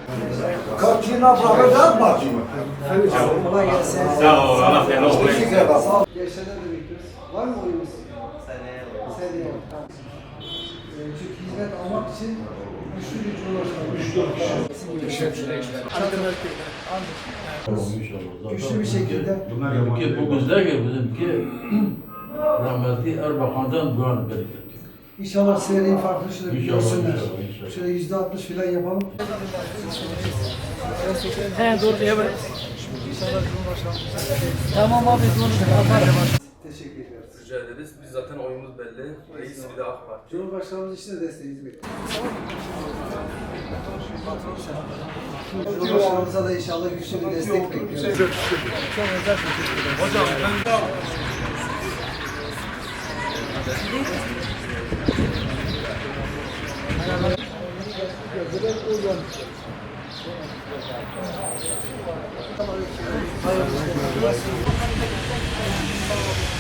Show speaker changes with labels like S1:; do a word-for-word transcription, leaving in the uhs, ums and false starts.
S1: Kaçına bırakacak mı?
S2: Kolay gelsin.
S3: Sağ ol, Allah seni olsun.
S2: Sağ ol. Gençlerden de bekliyoruz. Var mı oyunuz?
S4: Seneye
S2: Seneye. Tamam. Ee, Çünkü hizmet almak için güçlü bir cumhurbaşkanı. Güçlü Güçlü bir şekilde.
S5: Bizimki bu güzel ki bizimki rahmetli Erbakan'dan bu an bereket.
S2: İnşallah seriyi farklı şöyle bir
S5: İnşallah,
S2: görsünler.
S5: inşallah, inşallah.
S2: Şöyle yüzde altmış falan yapalım.
S6: He doğru diye böyle. Tamam abi doğru.
S2: Teşekkür ediyoruz.
S7: Rica ederiz. Biz zaten oyumuz belli. Reis bir de AK Parti.
S2: Cumhurbaşkanımız için de desteğinizi bekliyoruz. Cumhurbaşkanımıza da inşallah güçlü bir destek bekliyoruz.
S7: Hocam ben...
S2: Hayırlı olsun.